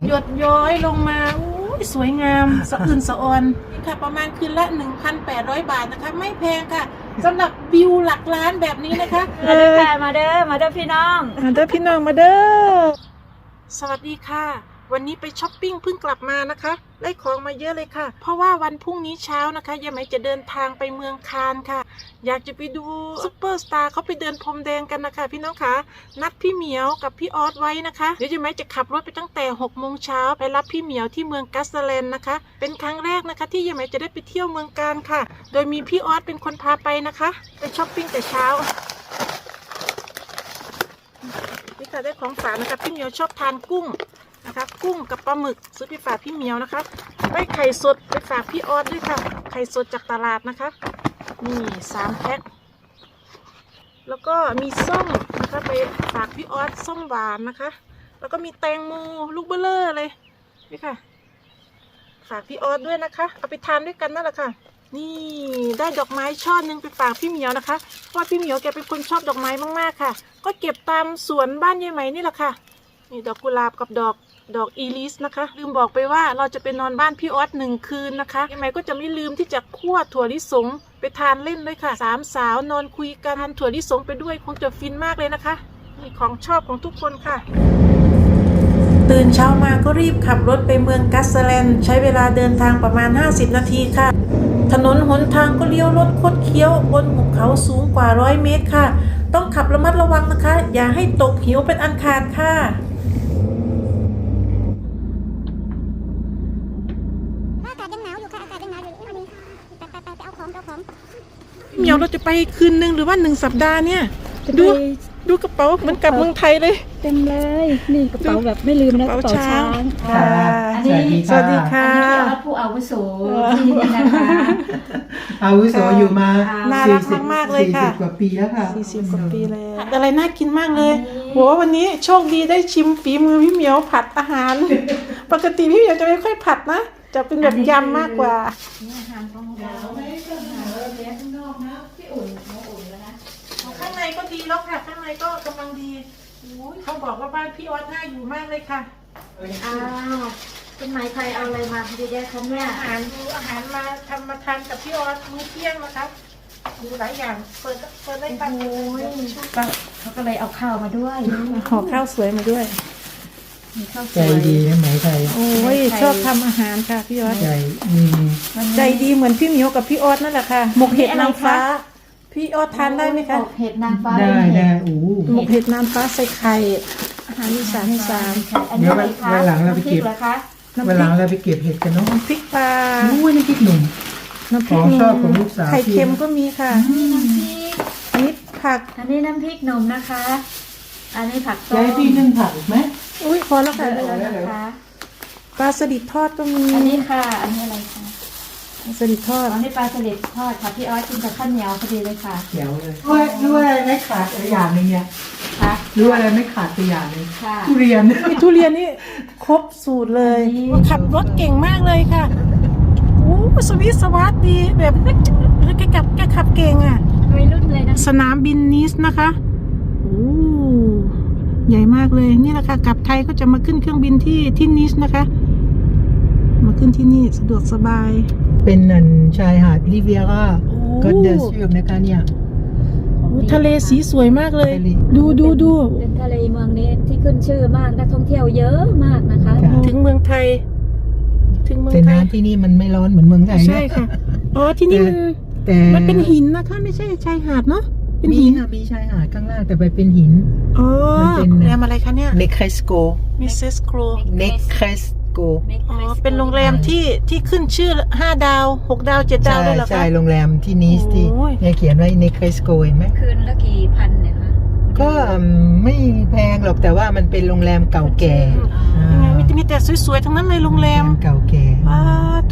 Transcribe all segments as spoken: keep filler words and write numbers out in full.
หยดย้อยลงมาอู้สวยงามสะอื่นสะออนนี่ค่ะประมาณคืนละ หนึ่งพันแปดร้อย บาทนะคะไม่แพงค่ะสำหรับวิวหลักล้านแบบนี้นะคะมาเด้อมาเด้อมาเด้อพี่น้องมาเด้อพี่น้องมาเด้อสวัสดีค่ะวันนี้ไปช้อปปิ้งเพิ่งกลับมานะคะได้ของมาเยอะเลยค่ะเพราะว่าวันพรุ่งนี้เช้านะคะยายไหมจะเดินทางไปเมืองคานค่ะอยากจะไปดูซุปเปอร์สตาร์เขาไปเดินพรมแดงกันนะคะพี่น้องคะนัดพี่เหมียวกับพี่ออสไว้นะคะเดี๋ยวยายไหมจะขับรถไปตั้งแต่หกโมงเช้าไปรับพี่เหมียวที่เมืองกัสแลนด์นะคะเป็นครั้งแรกนะคะที่ยายไหมจะได้ไปเที่ยวเมืองคานค่ะโดยมีพี่ออสเป็นคนพาไปนะคะไปช้อปปิ้งแต่เช้านี่ค่ะได้ของฝากนะคะพี่เหมียวชอบทานกุ้งนะคะกุ้งกับปลาหมึกซื้อไปฝากพี่เหมียวนะคะได้ไข่สดไปฝากพี่ออสด้วยค่ะไข่สดจากตลาดนะคะนี่สามแพ็คแล้วก็มีส้มนะคะไปฝากพี่ออสส้มหวานนะคะแล้วก็มีแตงโมลูกเบลเลอร์เลยนี่ค่ะฝากพี่ออสด้วยนะคะเอาไปทานด้วยกันนั่นแหละค่ะนี่ได้ดอกไม้ช่อนึงไปฝากพี่เหมียวนะคะเพราะว่าพี่เหมียวแกเป็นคนชอบดอกไม้มากๆค่ะก็เก็บตามสวนบ้านยายไหมนี่แหละค่ะนี่ดอกกุหลาบกับดอกดอกอีลิสนะคะลืมบอกไปว่าเราจะไปนอนบ้านพี่ออสหนึ่งคืนนะคะยังไงก็จะไม่ลืมที่จะคั่วถั่วลิสงไปทานเล่นด้วยค่ะสามสาวนอนคุยกันทานถั่วลิสงไปด้วยคงจะฟินมากเลยนะคะนี่ของชอบของทุกคนค่ะตื่นเช้ามาก็รีบขับรถไปเมืองกัสแลนด์ใช้เวลาเดินทางประมาณห้าสิบนาทีค่ะถนนหนทางก็เลี้ยวรถคดเคี้ยวบนหุบเขาสูงกว่าร้อยเมตรค่ะต้องขับระมัดระวังนะคะอย่าให้ตกหิวเป็นอันขาดค่ะเหมียวเราจะไปคืนนึงหรือว่าหนึ่งสัปดาห์เนี่ยดูดูกระเป๋าเหมือนกับเมืองไทยเลยเต็มเลยนี่กระเป๋าแบบไม่ลืมนะกระเป๋าช้างค่ะอันนี้สวัสดีค่ะอันนี้พี่ออสผู้อาวุโสที่นี่นะคะอาวุโสอยู่มาน่ารักมากๆเลยค่ะสี่สิบกว่าปีแล้วค่ะสี่สิบกว่าปีแล้วอะไรน่ากินมากเลยโหวันนี้โชคดีได้ชิมฝีมือพี่เหมียวผัดอาหารปกติพี่เหมียวจะไม่ค่อยผัดนะจะเป็นแบบยำมากกว่าอาหารของเราไม่ใช่อาหารเลี้ยงข้างนอกนะพี่อุ่นเขาอุ่นแล้วนะข้างในก็ดีแล้วค่ะข้างในก็กำลังดีเขาบอกว่าบ้านพี่ออสน่าอยู่มากเลยค่ะอ้าวเป็นไม้ใครเอาอะไรมาดีแด้คะเนี่ยอาหารดูอาหารมาทำมาทานกับพี่ออสมื้อเที่ยงนะคะดูหลายอย่างเปิดเปิดได้ปังเขาก็เลยเอาข้าวมาด้วยห่อข้าวสวยมาด้วยใจดีนะไหมไทยโอ้ยชอบทำอาหารค่ะพี่ออสใจใจดีเหมือนพี่เหมียวกับพี่ออสนั่นแหละค่ะหมกเห็ดนางฟ้าพี่ออสทานได้ไหมคะหมกเห็ดนางฟ้าได้ได้โอ้หมกเห็ดนางฟ้าใส่ไข่อาหารอีสานอีสานเดี๋ยววันหลังเราไปเก็บวันหลังเราไปเก็บเห็ดกันเนาะพริกปลาอู้น้ำพริกหนุ่มน้ำพริกชอบของลูกสาวไข่เค็มก็มีค่ะนี่น้ำพริกอันนี้ผักอันนี้น้ำพริกหนุ่มนะคะอันนี้ผักต้มยายพี่นึ่งผักไหมอุ้ยพอแล้วค่ะปลาสลิดทอดก็มีอันนี้ค่ะอันนี้อะไรคะปลาสลิดทอดอันนี้ปลาสลิดทอดค่ะพี่ออสกินกับข้าวเหนียวพอดีเลยค่ะเดี๋ยวเลยรู้รู้อะไรไม่ขาดตัวอย่างนึงเนี่ยค่ะรู้อะไรไม่ขาดตัวอย่างนึงค่ะทุเรียนทุเรียนนี่ครบสูตรเลยขับรถเก่งมากเลยค่ะโอ้สวิสสวัสดีแบบแกขับแกขับเก่งอ่ะวัยรุ่นเลยนะสนามบินนิสนะคะโอ้ใหญ่มากเลยนี่แหละค่ะกลับไทยก็จะมาขึ้นเครื่องบินที่ที่นิสนะคะมาขึ้นที่นี่สะดวกสบายเป็นนันชายหาดริเวียร่าก็เดินเชื่อมนะคะเนี่ยทะเลสีสวยมากเลยดูดูดูเป็นทะเลเมืองนี้ที่ขึ้นชื่อมากนักท่องเที่ยวเยอะมากนะคะถึงเมืองไทยถึงเมืองไทยแต่น้ำที่นี่มันไม่ร้อนเหมือนเมืองไทยใช่ค่ะอ๋อที่นี่มันมันเป็นหินนะคะไม่ใช่ชายหาดเนาะเป็นหินค่ะมีชายหาดข้างล่างแต่ไปเป็นหินอ๋อโรงแรมอะไรคะเนี่ยเนครสโกมิสเซสโกเนครสโกอ๋อเป็นโรงแรมที่ที่ขึ้นชื่อห้าดาวหกดาวเจ็ดดาวเลยเหรอคะใช่โรงแรมที่นิสที่เนี่ยเขียนไว้เนครสโกเห็นไหมคืนละกี่พันเนี่ยคะก็ไม่แพงหรอกแต่ว่ามันเป็นโรงแรมเก่าแก่ยังไงมีแต่สวยๆทั้งนั้นเลยโรงแรมเก่าแก่ว้าโถ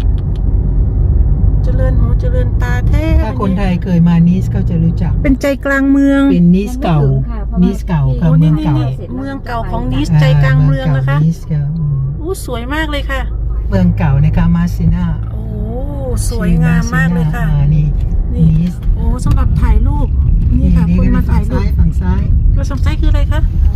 เจริญหูเจริญตาแท้ถ้าคนไทยเคยมานิสก็จะรู้จักเป็นใจกลางเมืองเป็นนิสเก่านิสเก่าค่ะเมืองเก่าเมืองเก่าของนิสใจกลางเมืองนะคะอู้สวยมากเลยค่ะเมืองเก่านะคะมาซิน่าโอ้สวยงามมากเลยค่ะนี่นิสโอ้สำหรับถ่ายรูปนี่ค่ะคนมาถ่ายรูปฝั่งซ้ายแล้วฝั่งซ้ายคืออะไรคะ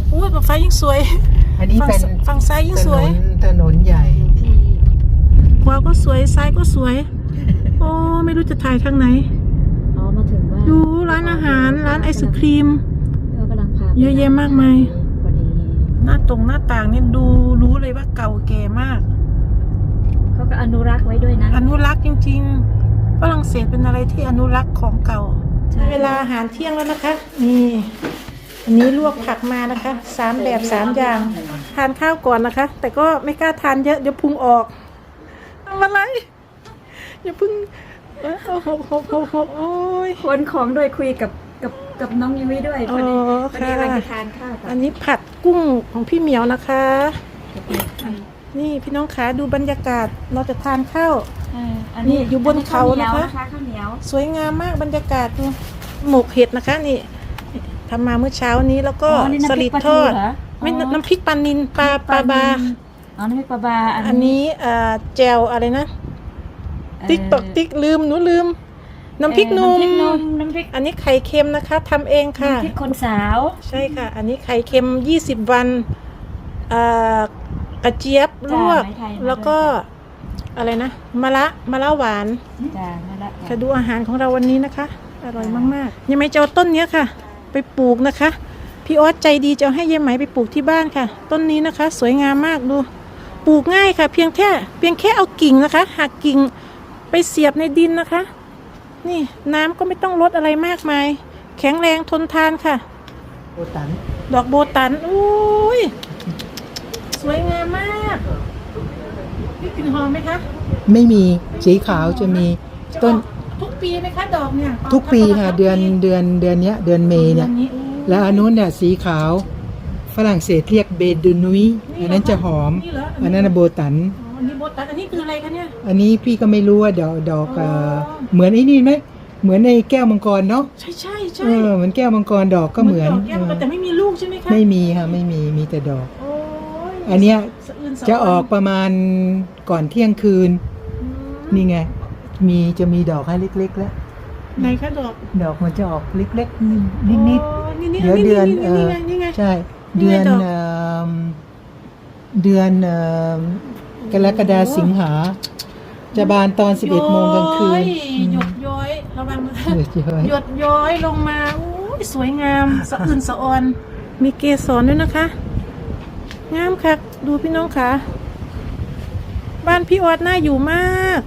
อุ้ยฝั่งซ้ายยิ่งสวยอันนี้ฝั่งเป็นฝั่งซ้ายยิ่งถสนวยนถนนใหญ่ที่ขวาก็สวยซ้ายก็สวย โอ้ไม่รู้จะถ่ายทางไหนอ๋อมาถึงว่าดูร้านอาหารร้านไอศครีมเรากำลังพาเยอะแยะมากมายพอดีหน้าตรงหน้าต่างเนี่ยดูรู้เลยว่าเก่าแก่มากเขาก็อนุรักษ์ไว้ด้วยนะอนุรักษ์จริงๆฝรั่งเศสเป็นอะไรที่อนุรักษ์ของเก่าใช่เวลาอาหารเที่ยงแล้วนะคะ นี่อันนี้ลวกผักมานะคะสามแบบสามอย่างทานข้าวก่อนนะคะ แต่ก็ไม่กล้าทานเยอะเดี๋ยวพุงออกทำอะไรอย่าเพึ่งเอ้ยเอาหกหกหกหกโอ้ยคนของโดยคุยกับกับกับน้องยุ้ยด้วยพอดีอ๋อพอดีค่ะเราจะทานข้าวกัอันนนี้ผัดกุ้งของพี่เหมียวนะคะ นี่พี่น้องขาดูบรรยากาศเราจะทานข้าวเอออันนี่อยู่บนเขานะคะข้าวเหนียวสวยงามมากบรรยากาศดูหมกเห็ดนะคะนี่ทำมาเมื่อเช้านี้แล้วก็อ๋อนี่สน้ำพริลิกดปลาททูอดเหรอไม่อ๋อน้ำพริกปลานินปลาปลาบาอ๋อน้ำพริกปลาบาอันนี้เอ่อแจวอะไรนะเอ่อติ๊กตอกติ๊กลืมหนูลืม น้ำพริกหนุ่มเอ่อน้ำพริกหนุ่มน้ำพริกอันนี้ไข่เค็มนะคะทำเองค่ะน้ำพริกคนสาวใช่ค่ะ อันนี้ไข่เค็มยี่สิบวันเอ่อกระเจี๊ยบลวกจ้ะไม้ไทยมาแล้วก็ด้วยอะไรนะมะละมะละหวานจ้ามาละค่ะดูอาหารของเราวันนี้นะคะ อร่อยมากๆยังไม่จะเอาต้นเนี้ยค่ะ ไปปลูกนะคะ พี่ออสใจดีจะเอาให้ยายไหมไปปลูกที่บ้านค่ะ ต้นนี้นะคะ สวยงามมากดู ปลูกง่ายค่ะ เพียงแค่เพียงแค่เอากิ่งนะคะหักกิ่งไปเสียบในดินนะคะ นี่น้ำก็ไม่ต้องลดอะไรมากมาย แข็งแรงทนทานค่ะโบตันดอกโบตันอุ้ยสวยงามมากนี่กลิ่นหอมไหมคะไม่มีสีขาวจะมีต้นทุกปีไหมคะดอกเนี่ยทุกปีค่ะเดือนเดือนเดือนเนี้ยเดือนเมษเนี่ย แล้วอันนู้นเนี่ยสีขาวฝรั่งเศสเรียกเบดูนุยอันนั้นจะหอม อันนั้นนะโบตันอ๋ออันนี้โบตันอันนี้คืออะไรคะเนี่ยอันนี้พี่ก็ไม่รู้ว่าดอกดอกเอ่ออ๋อเหมือนไอ้นี่ไหมเหมือนในแก้วมังกรเนาะใช่ใช่ใช่เออเหมือนแก้วมังกรดอกก็เหมือนดอกแก้วแต่ไม่มีลูกใช่ไหมคะไม่มีค่ะไม่มีมีแต่ดอกโอ้ยอันเนี้ยสอื่นสจะวรรค์ออกประมาณก่อนเที่ยงคืนอืมนี่ไง มีจะมีดอกให้เล็กๆแล้วไหนคะดอกดอกมันจะออกเล็กๆนิดโอ้นี่ๆนี่เดี๋ยวเดือนนี่เอนี่อไงนี่ไงใช่นี่เดืไงอนดอกเอ่อเดือนเอ่อกรกฎาสิงหาจะบานตอนสิบเอ็ดโมงกลางคืนย้อยหยดย้อยระวังมือหยุดเยอะหยดย้อยลงมาอุ้ยสวยงาม สะอื่นสะออน มีเกสรด้วยนะคะ งามค่ะ ดูพี่น้องค่ะ บ้านพี่ออดน่าอยู่มาก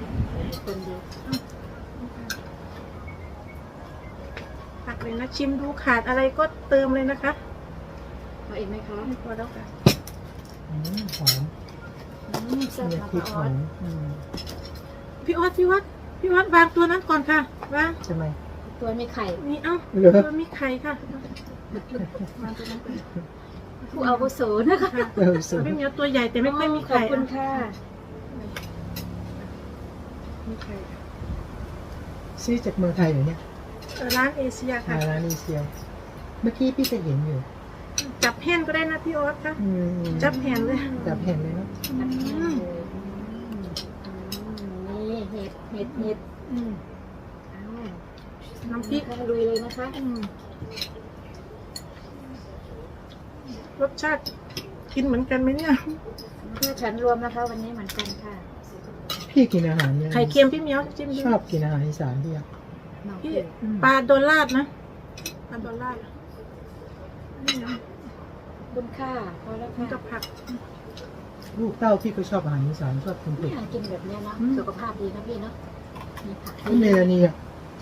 ผักเลยนะชิมดูขาดอะไรก็เติมเลยนะคะเอาอีกไหมคะไม่พอแล้วค่ะอืมหอมอืมแซ่บเนี่ยค่ะพริกป้าหอออสมอืมพี่ออดพี่วัดพี่วัดวางตัวนั้นก่อนค่ะวางใช่ไหมตัวมีไข่นี่เอ้าเหรอตัวมีไข่ค่ะวางตัวนั้นก่อนผู้อาวุโสนะคะค่ะเออสวยพี่เหมียวตัวใหญ่แต่ไม่ค่อยมีขอไข่บคุณค่ะมีไข่ซื้อจากเมืองไทยเหรอเนี่ยเออร้านเอเชียค่ะมาร้านนี้เชียวเมื่อกี้พี่ก็เห็นอยู่จับแห่นก็ได้นะพี่ออสค่ะอืมจับแห่นเลยจับเห็นเลยเนาะอืมนี่เห็ดเห็ดเห็ดอืมอ้าวน้ำพริกข้างลุยเลยนะคะอืมรสชาติกินเหมือนกันไหมเนี่ยเพื่อฉันรวมนะคะ วันนี้เหมือนกันค่ะพี่กินอาหารเนี่ยไข่เค็มพี่เหมียวจิ้มดูชอบกินอาหารอีสานพี่อะพี่ปลาโดนลาดนะปลาโดนลาดนี่นะคุณค่าพอแล้วนี่ค่ะกับผักลูกเต้าพี่ก็ชอบอาหารอีสานชอบกินเผ็ดอยากกินแบบเนี้ยเนาะอืมสุขภาพดีนะพี่เนาะมีผักนี่เมลานีอะ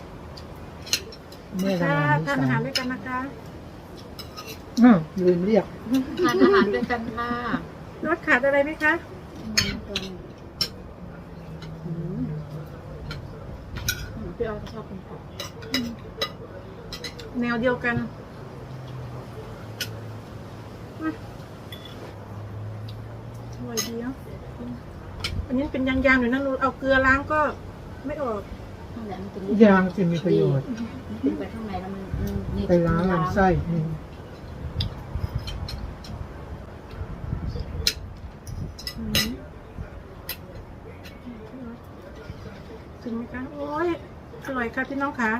แม่ค่ะทำอาหารอีสานทานอาหารด้วยกันนะคะอืมลืมเรียกทานอาหารด้วยกันค่ะรสขาดอะไรไหมคะอืมตัวนี้อืมอืมพี่ออยก็ชอบกินผักแนวเดียวกันอืมอร่อยดีเนาะอันนี้เป็นยางๆอยู่นะหนูเอาเกลือล้างก็ไม่ออกนั่นแหละมันเป็นยางจะมีประโยชน์มันเป็นไปข้างในแล้วมันมันนี่ไปล้างลำไส้อืมอืมถึงไหมคะ โอ้ย อร่อยค่ะพี่น้องค่ะ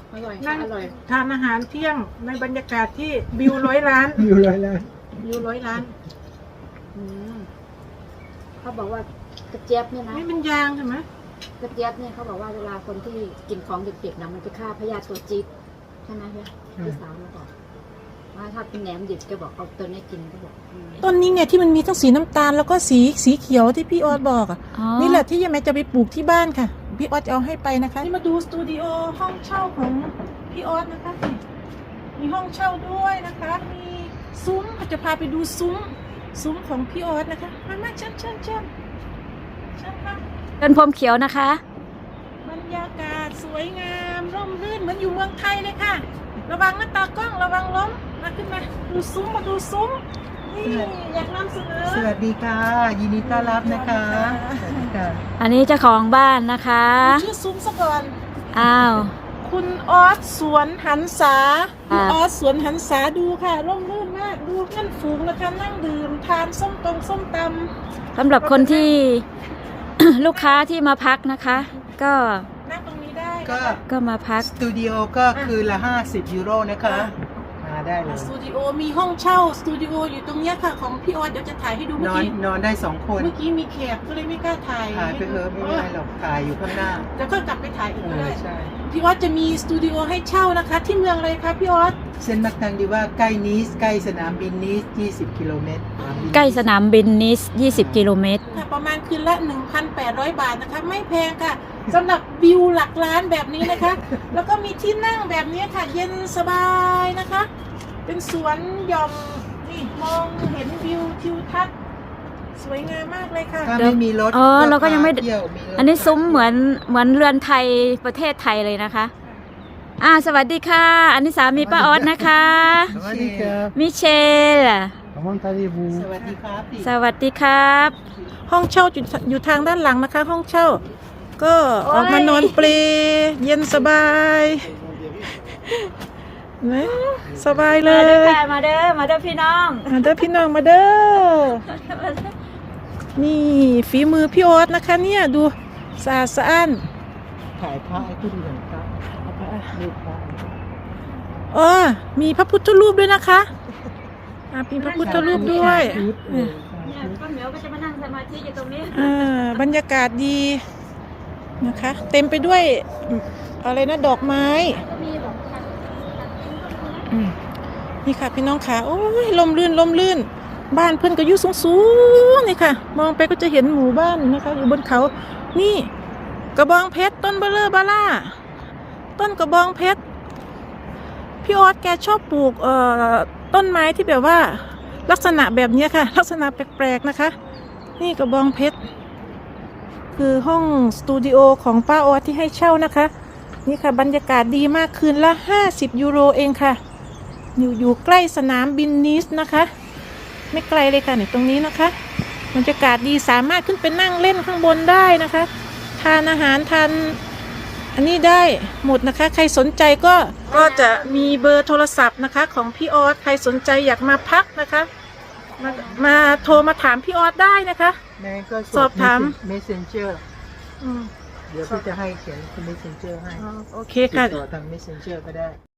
อร่อยนั่ค่ะงอร่อยทานอาหารเที่ยงในบรรยากาศที่วิวร้อยล้านอยู่เลยแล้ววิวร้อยล้านอืมเขาบอกว่ากระเจี๊ยบเนี่ยนะนี่เป็นยางใช่ไหมกระเจี๊ยบเนี่ยเขาบอกว่าเวลาคนที่กินของดิบๆนะมันจะฆ่าพยาธิตัวจี๊ดใช่ไหมพี่พี่สาวเราบอกว่าถ้าเป็นแหนมดิบแกบอกเอาตัวนี้กินก็บอกอืมต้นนี้ไงที่มันมีทั้งสีน้ำตาลแล้วก็สีสีเขียวที่พี่ออสบอกอ่ะอ๋อนี่แหละที่ยังไม่จะไปปลูกที่บ้านค่ะ พี่ออสจะเอาให้ไปนะคะ นี่มาดูสตูดิโอห้องเช่าของพี่ออสนะคะ มีห้องเช่าด้วยนะคะ มีซุ้มจะพาไปดูซุ้ม ซุ้มของพี่ออสนะคะ มามาเชิญเชิญเชิญเชิญค่ะเดินพรมเขียวนะคะบรรยากาศสวยงามร่มรื่นเหมือนอยู่เมืองไทยเลยค่ะ ระวังนะตากล้องระวังล้มมาขึ้นมาดูซุ้มมาดูซุ้ม นี่อยากนำเสนอสวัสดีค่ะ ยินดีต้อนรับนะคะสวัสดีค่ะอันนี้เจ้าของบ้านนะคะชื่อซุ้มซะก่อนอ้าวคุณออสสวนหันษาคุณอ่าออสสวนหันษาดูค่ะร่มรื่นมากดูนั่นฝูงนะคะนั่งดื่มทานส้มตรงส้มตสำหรับคนที่ ลูกค้าที่มาพักนะคะ ก็ำนั่งตรงนี้ได้ก็ก็มาพักสตูดิโอก็คือละห้าสิบยูโรนะคะมาได้เลยสตูดิโอมีห้องเช่าสตูดิโออยู่ตรงเนี้ยค่ะของพี่ออสเดี๋ยวจะถ่ายให้ดูนเมื่ออนกี้นอนได้สองคนเมื่อกี้มีแขกก็เลยไม่กล้าถ่ายถ่ายไปเถอะไม่เป็นไรหรอกถ่ายอยู่ข้างหน้าแล้วก็กลับไปถ่ายอีกเอก็อได้ใช่พี่ออสจะมีสตูดิโอให้เช่านะคะ ที่เมืองอะไรคะพี่ออสเส้นมักตังดีว่าใกล้นิสใกล้สนามบินนิสยี่สิบกิโลเมตรใกล้สนามบินนิสยี่สิบกิโลเมตรค่ะประมาณคืนละ หนึ่งพันแปดร้อย บาทนะคะ ไม่แพงค่ะสำหรับวิวหลักล้านแบบนี้นะคะ แล้วก็มีที่นั่งแบบนี้ค่ะ เย็นสบายนะคะ เป็นสวนหย่อมนี่มองเห็นวิวทิวทัศน์สวยงามมากเลยค่ะถ้าไม่มีรถเออเราก็ยังไม่พาเที่ยวมีรถอันนี้ซุ้มเหมือนเหมือนเรือนไทยประเทศไทยเลยนะคะ อ่าสวัสดีค่ะ อันนี้สามีป้าออสนะคะสวัสดีครับมิเชลสวัสดีครับพี่สวัสดีครับห้องเช่าอยู่อยู่ทางด้านหลังนะคะ ห้องเช่า ก็ออกมานอนเปลเย็นสบายนะสบายเลมาย เด้อค่ะมาเด้อมาเด้อพี่น้องมาเด้อพี่น้องมาเด้อ นี่ฝีมือพี่โอ๊ตนะคะเนี่ยดูสะอาดสะอ้านถ่ายพระให้ผู้ดูหน่อยครับรูปพระอ๋อมีพระพุทธรูปด้วยนะคะอ่ะมีพระพุทธรูปด้วยชุดเออเนี่ยป้าเหมียวก็จะมานั่งสมาธิอยู่ตรงนี้อ่าบรรยากาศดีนะคะ เต็มไปด้วยอะไรนะดอกไม้ก็มีแบบอืมนี่ค่ะพี่น้องค่ะโอ้ยลมลื่นลมลื่น บ้านเพื่อนก็อยู่สูงๆนี่ค่ะ มองไปก็จะเห็นหมู่บ้านนะคะ อยู่บนเขา นี่ กระบองเพชรต้นเบลเลอร์บาล่าต้นกระบองเพชรพี่ออสแกชอบปลูกเอ่อต้นไม้ที่แบบว่า ลักษณะแบบเนี้ยค่ะ ลักษณะแปลกๆนะคะ นี่กระบองเพชรคือห้องสตูดิโอของป้าออสที่ให้เช่านะคะ นี่ค่ะบรรยากาศดีมากคืนละห้าสิบยูโรเองค่ะ อยู่อยู่ใกล้สนามบินนิสนะคะ ไม่ไกลเลยค่ะนี่ตรงนี้นะคะบรรยากาศดีสามารถขึ้นไปนั่งเล่นข้างบนได้นะคะ ทานอาหารทานอันนี้ได้หมดนะคะ ใครสนใจก็ก็จะมีเบอร์โทรศัพท์นะคะ ของพี่ออสใครสนใจอยากมาพักนะคะ มามาโทรมาถามพี่ออสได้นะคะแม่ก็สอบถาม messenger อืมเดี๋ยวพี่จะให้เขียนเป็น messenger ให้อ๋อโอเคติค่ะดต่อทาง messenger ก็ได้